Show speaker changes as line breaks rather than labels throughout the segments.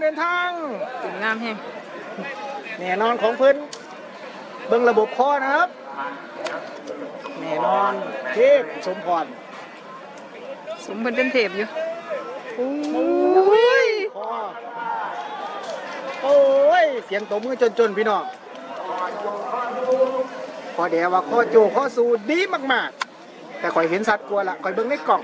เดินทาง
ถึงงามแฮง
แน่นอนของเพิ่นเบิ่งระบบคอนะครับแน่นอนเทพสมพร
สมเป็นเทพอยู่โอ้ย
คอโอ้ยเสียงตบมือจนพี่น้องพอเดี๋ยวว่าข้อโจข้อสูดีมากๆแต่ข่อยเห็นสัตว์กลัวละข่อยเบิ่งในกล่อง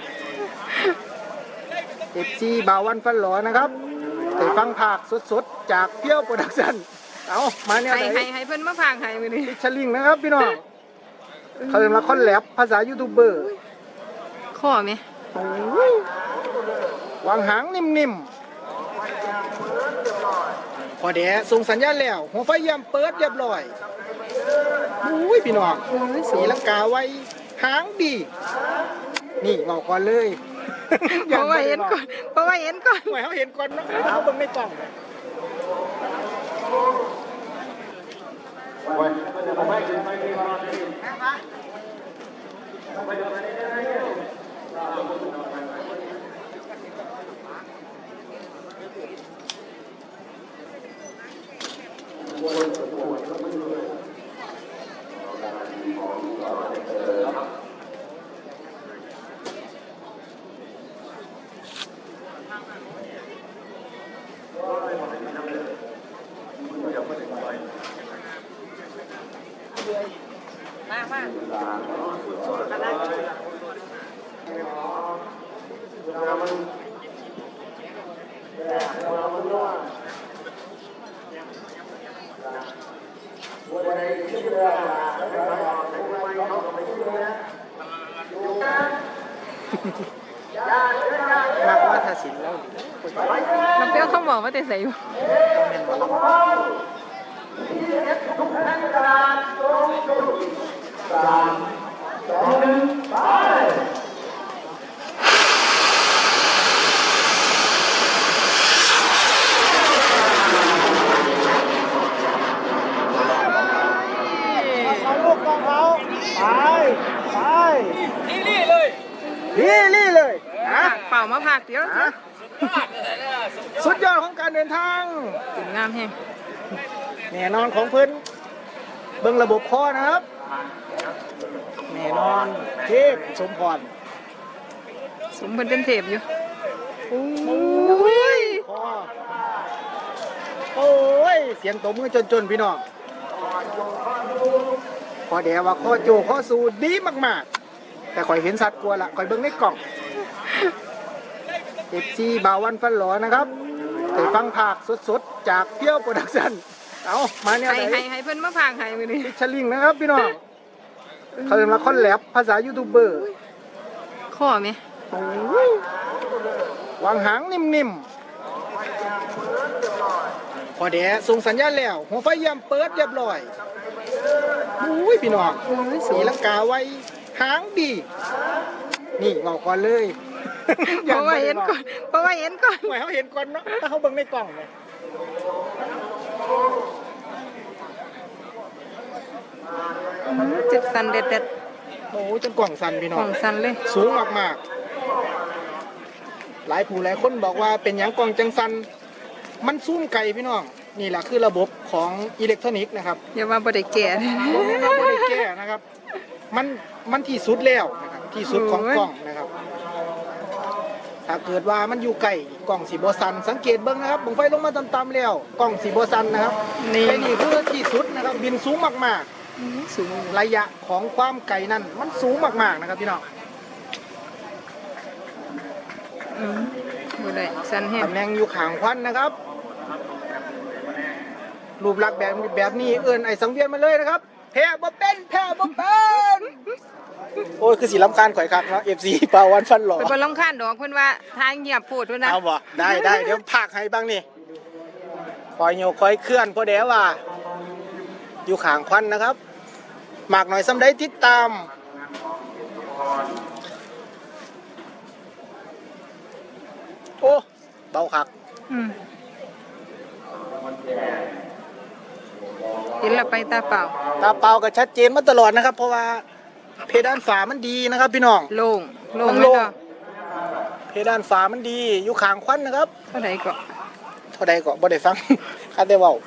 FC บาวันฟันหลอนะครับไปฟังภาคสดๆจากเพียวโปรดักชั่นเอามาเนี่ยไหน
ให้เพิ่นมาพากให้มื้อนี้
ชลิงนะครับพี่น้องเขาเรียกว่าคอนแลบภาษายูทูบเบอร์
ข้อไหม
วางหางนิ่มๆพอเดี๋ยวส่งสัญญาณแล้วหัวไฟยามเปิดเรียบร้อยอุ้ยพี่น้องสีลังกาไว้หางดีนี่บอกก่อนเลย
เพราะว่าเห็นก่อนเพราะว่าเห็นก่อน
หมายเขาเห็นก่อนนะเขาเบิ่งในกล่องมากว่าทาสินแล้ว
น้ำเปรี้ยวเขาบอกว่าแต่ใส่อยู่
เอาลูกกองเขาไปนี่เลยนะ
เป่ามาพากเดี๋ยว
สุดยอดของการเดินทาง
ถึงงามแฮง
แน่นอนของเพิ่นเบิ่งระบบคอนะครับแน่นอนเทพสมพร
สมเป็นเทพอยู่โอ้ย
คอโอ้ยเสียงตบมือจนพี่น้องพอเดี๋ยวว่าข้อโจข้อสูดีมากๆแต่ข่อยเห็นสัตว์กลัวละข่อยเบิ่งในกล่อง FC บาวันฟันหลอนะครับไปฟังภาคสดๆจากเพียวโปรดักชั่นเอามาเนี่ยไหน
ให้เพิ่นมาพากให้มื้อนี้
ชลิงนะครับพี่น้องเขาเรียกว่าคอนแลบภาษายูทูบเบอร์
ข้อไหม
วางหางนิ่มๆพอเดี๋ยวส่งสัญญาณแล้วหัวไฟยามเปิดเรียบร้อยอุ้ยพี่น้องสีลังกาไว้หางดีนี่บอกก่อนเลย
เพราะว่าเห็นก่อนเพราะว่าเห็นก่อน
หมายเขาเห็นก่อนเนาะถ้าเขาเบิ่งในกล่องเลย
จุดสันเด็ด
โอ้จนกล่องสั่นพี่
ๆ
น้
ข
อ
อง งสันเลย
สูงมากๆหลายผู้หลายคนบอกว่าเป็นหยังกล่องจังสันมันซูมไกลพี่น้องนี่แหละคือระบบของอิเล็กทรอนิกส์นะครับ
อย่าว่าบ่ได้แก่
เราไม่ได้แก้นะครับ มันที่สุดแล้วนะครับที่สุดของกล่องนะครับ ถ้าเกิดว่ามันอยู่ไกลกล่องสีโบซันสังเกตเบิ้งนะครับบังไฟลงมาต่ำๆแล้วกล่องสีโบซันนะครับ
นี่
ไอ้นี่คือที่สุดนะครับบินสูงมาก
สูง
ๆระยะของความไกลนั้นมันสูงมากๆนะครับพี่น้อง
บ่ได้สันแฮง
ตำแหน่งอยู่ข้างควันนะครับรูปลักษณ์แบบนี้เอิ้นไอ้สังเวียนมาเลยนะครับแพ้บ่เป็นโอ้ยคือสีลำคาญข่อยคักเนาะ FC ปาวันฟันหล่อ
ไปบ่รำคาญดอกเพิ่นว่าทางเงียบโพดพุ่นนะ
เอาบ่ได้เดี๋ยวพากให้บ้างนี่คอยโยกคอยเคลื่อนพอเดี๋ยวว่า อยู่ข้างควันนะครับหมากหน่อยซ้ำได้ติดตามโอ้เบาคัก
เห็นแล้วไปตาเปล่า
ตาเปล่าก็ชัดเจนมาตลอดนะครับ เพราะว่าเพดานฝามันดีนะครับพี่น้อง
โล่ง
มัน
ไหม
โล่ง
เนาะ
เพดานฝามันดีอยู่ข้างควันนะครับ
เท่าไหร่ก็
เท่ท่าใดก็บ่ได้ฟัง ข้าแต่เว้า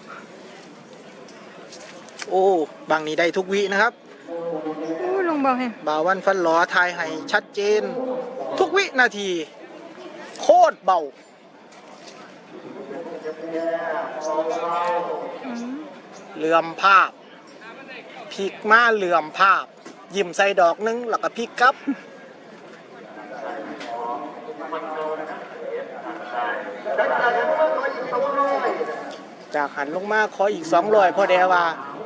โอ้บางนี้ได้ทุกวินะครับ
โอ้ลงเบาแฮง
บ่าววันฟันหลอทายให้ชัดเจน ทุกวินาที โคตรเบา
อืม
เหลื่อมภาพพลิกมาเหลื่อมภาพ ยิ้มใส่ดอกนึงแล้วก็พลิกกลับ จากหันลงมาขออีก200พ่อแดว่า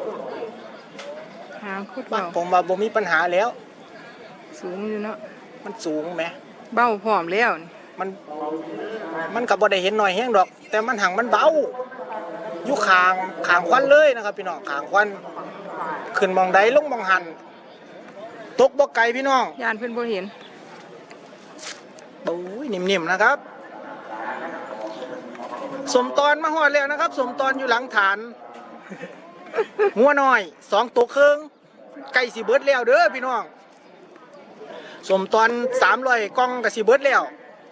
หางโคตร
บ้า
เบา
ผมว่าบ่มีปัญหาแล้ว
สูงอยู่เนาะ
มันสูงไหม
เบาพร้อมแล้วนี่
มันก็บ่ได้เห็นหน่อยแห้งดอก แต่มันหังมันเบาอยู่ข้างควันเลยนะครับพี่น้องข้างควันขึ้นมองใดลงมองหันตกบ่ไกลพี่น้อง
ยานเพิ่นบ่เห็น
บุ้ยนิ่มๆนะครับ สมตอนมาหอดแล้วนะครับ สมตอนอยู่หลังฐาน หัวน้อย2ตัวครึ่งไก่สิเบิดแล้วเด้อพี่น้องสมตอน300กล่องก็สิเบิดแล้ว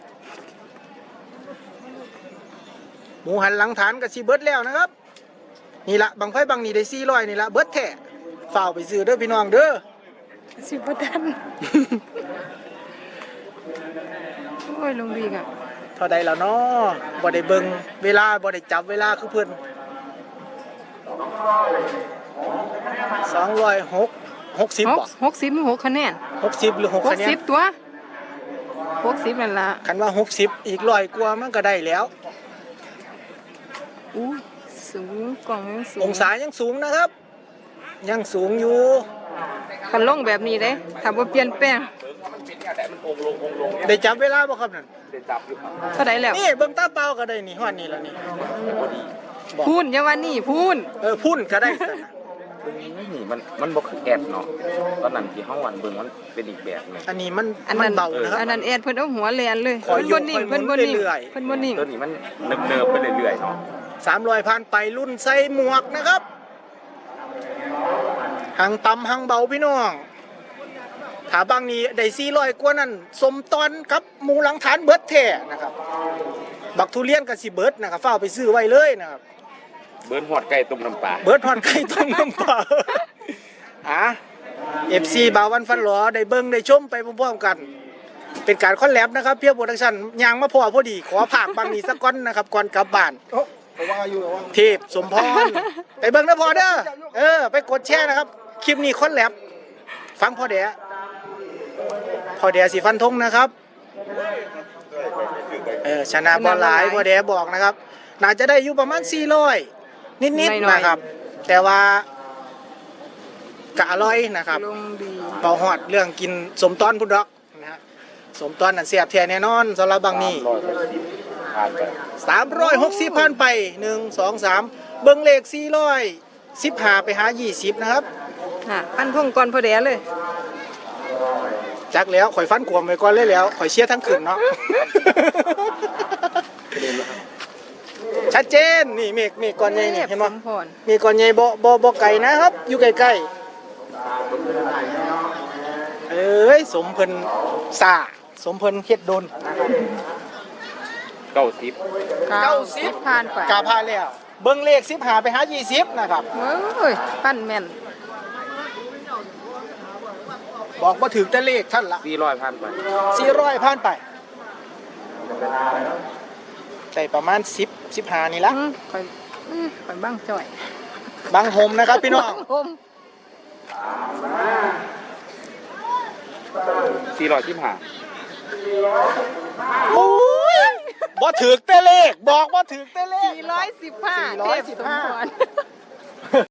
หมูหันหลังฐานก็สิเบิดแล้วนะครับนี่ละบังไฟบังนี่ได้400นี่ละเบิดแท้ฝ่าวไปซื้อเด้อพี่น้องเด้อ
สิบ่ทัน โอ้ยลงดีกอ่ะ
เท่าใดแล้วเนาะบ่ได้เบิ่งเวลาบ่ได้จับเวลาคือเพิ่น260บ่
66คะแนน
60หรือ6คะแนน
60ตัว60นั่นล่ะ
คันว่า60อีก100กว่ามันก็ได้แล้ว
อู้สูงกล่องยังสูง
องศายังสูงนะครับ ยังสูงอยู่
คันลงแบบนี้เด้ถ้าบ่เปลี่ยนแปลง
ได้จับเวลาบ่ครับนั่น
เท่าใดแล้ว
นี่เบิ่งตาเปล่าก็ได้นี่ฮอดนี่แล้วนี่บอก
พูนอย่าว่านี่พูน
พุ่นก็ได้ซั่นน่ะ
นี่มันบ่คือแอดเนาะตอนนั้นที่เฮาวันเบิ่งมันเป็นอีกแบบหนึง
อันนี้มัน
อัน
มั
นั้น น
เบานะครับ
อันนั้นแอดเพิ่นเอาหัวแลนเลย
คอย
เพิ่นบ่นิ่ง
ยก
เพิ่นบ่นิ่ง
เรื่อยๆ
เพิ่นบ่นิ่ง
ตัวนี้มันเนิบๆไปเรื่อยๆเนาะ
300ผ่านไปรุ่นใส่หมวกนะครับหังต่ำหังเบาพี่น้องถ้าบางนี้ได้400กว่านั้นสมตอนครับหมูหลังฐานเบิดแท้นะครับบักทุเรียนก็สิเบิดนะครับฟ้าวไปซื้อไว้เลยนะครับ
เบิ่นฮอดไก่ต้มน้ำปลา
เบิร์ดฮอนไก่ต้มน้ำปลาอ่ะ FC บาวันฟันหลอได้เบิ้งได้ชมไปพร้อมๆกัน เป็นการคอลแลบนะครับเพียบโปรดักชั่นยางมาพอดีขอผากบางนี้สักก้อนนะครับก่อนกลับบ้านเทพสมพรไปเบิ้งนะพอเด้อไปกดแชร์นะครับ คลิปนี้คอลแลบฟังพอเดะสีฟันธงนะครับชนะบอลหลายพอเดะบอกนะครับน่าจะได้อยู่ประมาณ400นิดๆนะครับ แต่ว่ากะอร่อยนะครับ
ลงดี
เบาหอดเรื่องกินสมตอนพุ่นดอกนะฮะสมตอนนั่นเสียบแท้แน่นอนสำหรับบางนี้
ผ่านไป
360พันไป1 2 3เบิ้งเลข415ไปหา20นะครับ
ฟันพงก่อนพอแดเลย
จักแล้วข่อยฟันกวมไว้ก่อนเลยแล้วข่อยเชียร์ทั้งคืนเนาะ ชัดเจนนี่เมฆก้อนใหญ่นี่เห็นบ่
สมพร
เมฆก้อนใหญ่บ่ไกลนะครับ อยู่ใกล้ๆสมเพิ่นซ่าสมเพิ่นเฮ็ดโดน
90
ผ่านไป
กาพาแล้วเบิ่งเลข15ไปหา20นะครับ
เอ้ยปั้นแม่น
บอกบ่ถึงแต่เลขท่านละ
400ผ่านไป
400ผ่านไปได้ประมาณ10 15นี่ละ
ข่อยบ้างจ่อย
บางโฮมนะครับพี่น้อง
ผม
415
โอ้ยบ่ถึกแต่เลขบอกบ่ถึกแต่เลข
415
415
เทพสมพร